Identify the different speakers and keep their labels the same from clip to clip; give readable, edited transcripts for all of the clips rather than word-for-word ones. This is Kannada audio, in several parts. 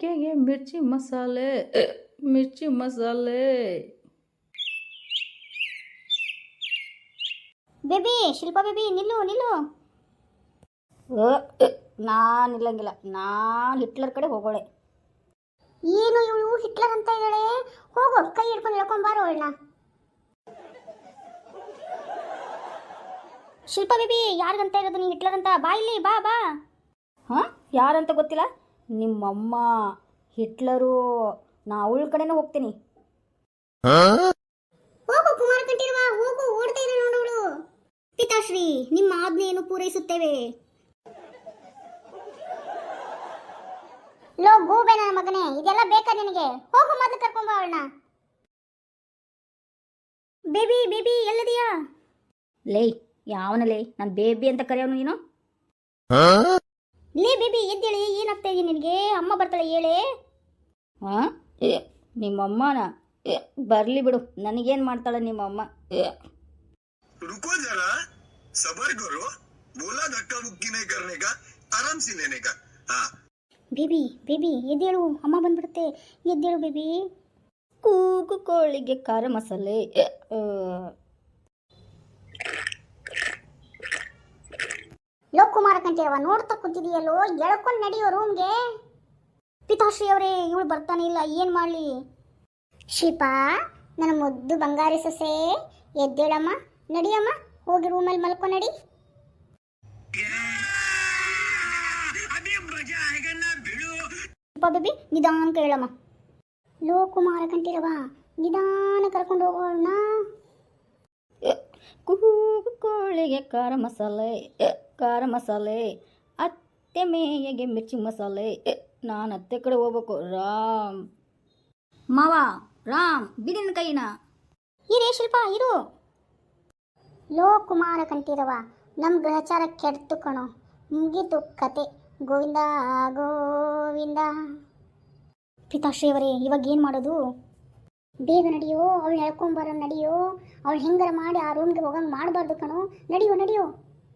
Speaker 1: ಚಕ್ಕೆಗೆ ಮಿರ್ಚಿ ಮಸಾಲೆ ಮಿರ್ಚಿ ಮಸಾಲೆ.
Speaker 2: ಬೇಬಿ ಶಿಲ್ಪಾ ಬೇಬಿ ನಿಲ್ಲು ನಿಲ್ಲು. ನಾನು ನಿಲ್ಲಂಗಿಲ್ಲ, ನಾನು ಹಿಟ್ಲರ್ ಕಡೆ ಹೋಗೋಳೆ. ಏನು ಇವಳು ಹಿಟ್ಲರ್ ಅಂತ ಇದ್ದಾಳೆ? ಹೋಗು ಕೈ ಹಿಡ್ಕೊಂಡು ಹೇಳ್ಕೊಂಬಾರು ಅವಳನ್ನ. ಶಿಲ್ಪಾ ಬೇಬಿ ಯಾರಿಗಂತ ಇರೋದು ನೀ ಹಿಟ್ಲರ್ ಅಂತ? ಬಾ ಇಲ್ಲಿ ಬಾ ಬಾ. ಹಾಂ ಯಾರಂತ ಗೊತ್ತಿಲ್ಲ, ನಿಮ್ಮಮ್ಮ ಹಿಟ್ಲರು. ನಾ ಅವಳ ಕಡೆನೇ ಹೋಗ್ತೀನಿ. ಹೋಗು ಕುಮಾರ ಕಂಠೀರವ ಹೋಗು, ಓಡ್ತಾ ಇದ್ದಾಳೆ ನೋಡೋಳು. ಪಿತಾಶ್ರೀ ನಿಮ್ಮ ಆಜ್ಞೆಯನ್ನು ಪೂರೈಸುತ್ತೇವೆ. ಲೋ ಗೂಬೆ ನನ್ನ ಮಗನೇ, ಇದೆಲ್ಲ ಬೇಕಾ ನಿನಗೆ? ಹೋಗು ಮೊದಲು ಕರ್ಕೊಂಬ ಅವಳನ್ನ. ಬೇಬಿ ಬೇಬಿ ಎಲ್ಲದಿಯಾ? ಲೇ ಯಾವನಲೇ ನಾನು ಬೇಬಿ ಅಂತ ಕರೆಯೋನು ನೀನು? ಲೇ ಬೇಬಿ ಎದ್ದೇಳಿ, ಏನಾಗ್ತಾ ಇದೀನಿ ನಿನಗೆ? ಅಮ್ಮ ಬರ್ತಾಳೆ ಹೇಳೇ. ಹಾಂ ನಿಮ್ಮಮ್ಮನ ಬರ್ಲಿ ಬಿಡು, ನನಗೇನು ಮಾಡ್ತಾಳೆ ನಿಮ್ಮಮ್ಮ?
Speaker 3: रुको जरा सबर करो, बोला धक्का मुक्की नहीं करने का, आराम से लेने का. हाँ
Speaker 2: ಬೇಬಿ ಬೇಬಿ ಎದ್ದೇಳು, ಅಮ್ಮ ಬಂದ್ಬಿಡುತ್ತೆ. ಎದ್ದೇಳು ಬೇಬಿ.
Speaker 1: ಕೂಗು ಕೋಳಿಗೆ ಖಾರ ಮಸಾಲೆ.
Speaker 2: ಲೋ ಕುಮಾರ ಕಂಠೀರವ ನೋಡ್ತಾ ಕೂತಿದೀಯಲ್ಲೋ, ಎಳ್ಕೊಂಡು ನಡಿಯೋ ರೂಮ್ಗೆ. ಪಿತಾಶ್ರೀ ಅವರೇ ಇವಳು ಬರ್ತಾನೆ ಇಲ್ಲ, ಏನು ಮಾಡಲಿ? ಶಿಲ್ಪಾ ನನ್ನ ಮುದ್ದು ಬಂಗಾರಿ ಸೊಸೆ ಎದ್ದೇಳಮ್ಮ, ನಡಿಯಮ್ಮ, ಹೋಗಿ ರೂಮಲ್ಲಿ ಮಲ್ಕೊ ನಡಿ. ಶಿಲ್ಪಾ ಬೇಬಿ ನಿಧಾನಕ್ಕೆ ಹೇಳಮ್ಮ. ಲೋ ಕುಮಾರ ಕಂಠೀರವ ನಿಧಾನ ಕರ್ಕೊಂಡು ಹೋಗೋಣ.
Speaker 1: ಕೂಗು ಕೋಳಿಗೆ ಖಾರ ಮಸಾಲೆ ಖಾರ ಮಸಾಲೆ, ಅತ್ತೆ ಮೇಯಗೆ ಮಿರ್ಚಿ ಮಸಾಲೆ. ನಾನು ಅತ್ತೆ ಕಡೆ ಹೋಗ್ಬೇಕು. ರಾಮ್ ಮಾವ ರಾಮ್ ಬಿಡಿನ ಕೈನ.
Speaker 2: ಇರೇ ಶಿಲ್ಪ ಇರು. ಲೋ ಕುಮಾರ ಕಂಠೀರವ ನಮ್ಮ ಗ್ರಹಚಾರ ಕೆಡ್ತು ಕಣೋ, ಮುಗೀತು ಕತೆ. ಗೋವಿಂದ ಗೋವಿಂದ. ಪಿತಾಶ್ರೀ ಅವರೇ ಇವಾಗ ಏನು ಮಾಡೋದು? ಬೇಗ ನಡಿಯೋ, ಅವಳು ಹೇಳ್ಕೊಂಬರೋ ನಡಿಯೋ. ಅವಳು ಹೆಂಗಾರ ಮಾಡಿ ಆ ರೂಮ್ಗೆ ಹೋಗಂಗೆ ಮಾಡಬಾರ್ದು ಕಣೋ. ನಡಿಯೋ ನಡಿಯೋ.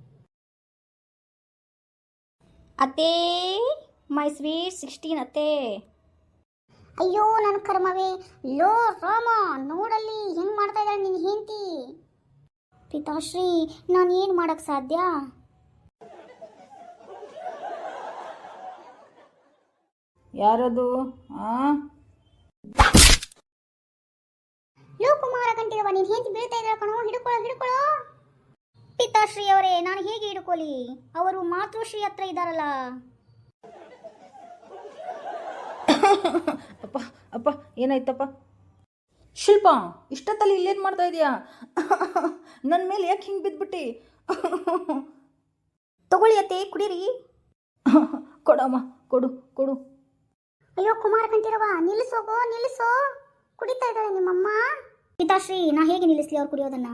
Speaker 1: ಅತ್ತೇ ಮೈ ಸ್ವೀಟ್ 16 ಅತ್ತೇ.
Speaker 2: ಅಯ್ಯೋ ನನ್ನ ಕರ್ಮವೇ. ಲೋ ರಾಮ ನೋಡಲ್ಲಿ ಹೆಂಗೆ ಮಾಡ್ತಾ ಇದ್ದಾಳೆ ನಿನ್ನ ಹೆಂಡತಿ. ಪಿತಾಶ್ರೀ ನಾನು ಏನು ಮಾಡೋಕ್ಕೆ ಸಾಧ್ಯ?
Speaker 1: ಯಾರದು?
Speaker 2: ಲೋ ಕುಮಾರ ಕಂಠೀರವ ನೀನು ಹೆಂಡತಿ ಬೀಳ್ತಾ ಇದ್ದಾಳೆ ಕಣೋ, ಹಿಡ್ಕೊಳ್ಳೋ ಹಿಡ್ಕೊಳ್ಳೋ. ಪಿತಾಶ್ರೀ ಅವರೇ ನಾನು ಹೇಗೆ ಹಿಡ್ಕೊಳ್ಳಿ? ಅವರು ಮಾತೃಶ್ರೀ ಹತ್ರ ಇದ್ದಾರಲ್ಲ.
Speaker 1: ಅಪ್ಪ ಅಪ್ಪ ಏನಾಯ್ತಪ್ಪ? ಶಿಲ್ಪ ಇಷ್ಟೊತ್ತಲ್ಲಿ ಇಲ್ಲೇನು ಮಾಡ್ತಾ ಇದೀಯಾ? ನನ್ನ ಮೇಲೆ ಯಾಕೆ ಹಿಂಗೆ ಬಿದ್ದುಬಿಟ್ಟು?
Speaker 2: ತಗೊಳ್ಳಿ ಅತ್ತೆ ಕುಡೀರಿ.
Speaker 1: ಕೊಡಮ್ಮ ಕೊಡು ಕೊಡು.
Speaker 2: ಅಯ್ಯೋ ಕುಮಾರ ಕಂಠೀರವ ನಿಲ್ಲಿಸೋಗೋ ನಿಲ್ಲಿಸೋ, ಕುಡಿತಾ ಇದ್ದಾಳೆ ನಿಮ್ಮಮ್ಮ. ಪಿತಾಶ್ರೀ ನಾ ಹೇಗೆ ನಿಲ್ಲಿಸ್ಲಿ ಅವ್ರು ಕುಡಿಯೋದನ್ನ?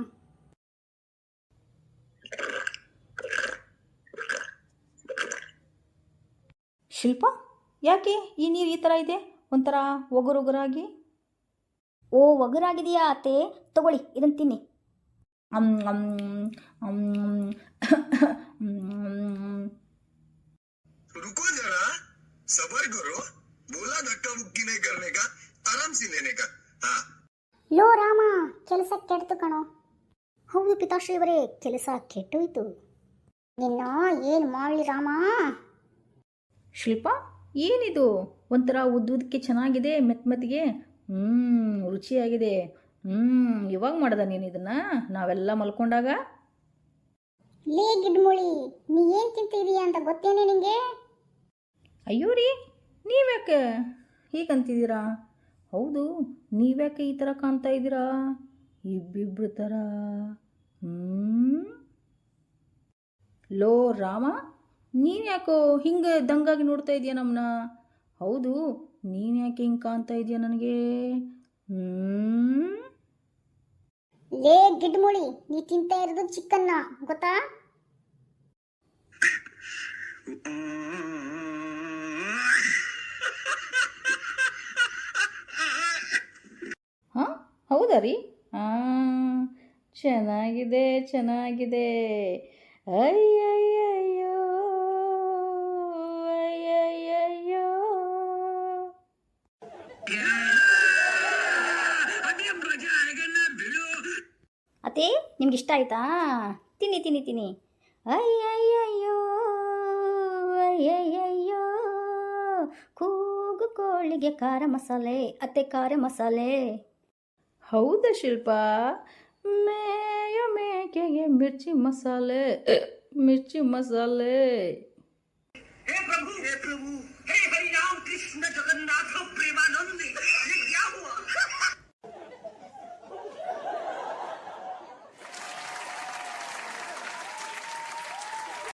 Speaker 1: ಶಿಲ್ಪ ಯಾಕೆ ಈ ನೀರು ಈ ಥರ ಇದೆ, ಒಂಥರ ಒಗರೊಗರಾಗಿ?
Speaker 2: ಓ ಒಗರಾಗಿದೆಯಾ ಅತ್ತೆ, ತಗೊಳ್ಳಿ ಇದನ್ನು ತಿನ್ನಿ.
Speaker 3: रुको जरा सबर करो, बोला धक्का मुक्की नहीं करने का, आराम से लेने का. हाँ
Speaker 2: ಲೋ ರಾಮ ಕೆಲಸ ಕೆಡ್ತು ಕಣೋ. ಹೌದು ಪಿತಾಶ್ರೀ ಅವರೇ ಕೆಲಸ ಕೆಟ್ಟೋಯ್ತು. ನಿನ್ನ ಏನು ಮಾಡಲಿ ರಾಮ?
Speaker 1: ಶಿಲ್ಪ ಏನಿದು, ಒಂಥರ ಉದ್ದಕ್ಕೆ ಚೆನ್ನಾಗಿದೆ, ಮೆತ್ತಗೆ ರುಚಿಯಾಗಿದೆ. ಇವಾಗ ಮಾಡ್ದ ನೀನು ಇದನ್ನು ನಾವೆಲ್ಲ ಮಲ್ಕೊಂಡಾಗ?
Speaker 2: ಲೇ ಗಿಡ್ಮುಳಿ ನೀ ಏನು ತಿಂತಿದೀಯ ಅಂತ ಗೊತ್ತೇನೆ ನಿಂಗೆ?
Speaker 1: ಅಯ್ಯೋ ರೀ ನೀವ್ಯಾಕೆ ಹೀಗಂತಿದ್ದೀರಾ? ಹೌದು ನೀವ್ಯಾಕೆ ಈ ಥರ ಕಾಣ್ತಾ ಇದ್ದೀರಾ ಇಬ್ಬಿಬ್ರು ಥರ? ಲೋ ರಾಮ ನೀನು ಯಾಕೋ ಹಿಂಗೆ ದಂಗಾಗಿ ನೋಡ್ತಾ ಇದೀಯ ನಮ್ಮನ್ನ? ಹೌದು ನೀನು ಯಾಕೆ ಹಿಂಗೆ ಕಾಣ್ತಾ ಇದೀಯ ನನಗೆ?
Speaker 2: ಲೇ ಗಿಡ್ಮುಳಿ ನೀ ತಿಂತಾ ಇರೋದು ಚಿಕನ್ನ ಗೊತ್ತಾ?
Speaker 1: ಹಾಂ ಹೌದಾ ರೀ? ಚೆನ್ನಾಗಿದೆ ಚೆನ್ನಾಗಿದೆ. ಅಯ್ಯಯ್ಯಯ್ಯೋ ಅಯ್ಯಯ್ಯಯ್ಯೋ ಅತ್ತೆ ನಿಮ್ಗೆ ಇಷ್ಟ ಆಯ್ತಾ? ತಿನ್ನಿ ತಿನ್ನಿ ತಿನ್ನಿ. ಅಯ್ಯಯ್ಯಯ್ಯೋ ಅಯ್ಯಯ್ಯಯ್ಯೋ ಕೂಗು ಕೋಳಿಗೆ ಖಾರ ಮಸಾಲೆ, ಅತ್ತೆ ಖಾರ ಮಸಾಲೆ.
Speaker 4: ಹೌದಾ ಶಿಲ್ಪ? ಮೇಯ ಮೇಕೆಗೆ ಮಿರ್ಚಿ ಮಸಾಲೆ, ಮಿರ್ಚಿ ಮಸಾಲೆ.
Speaker 3: हे प्रभु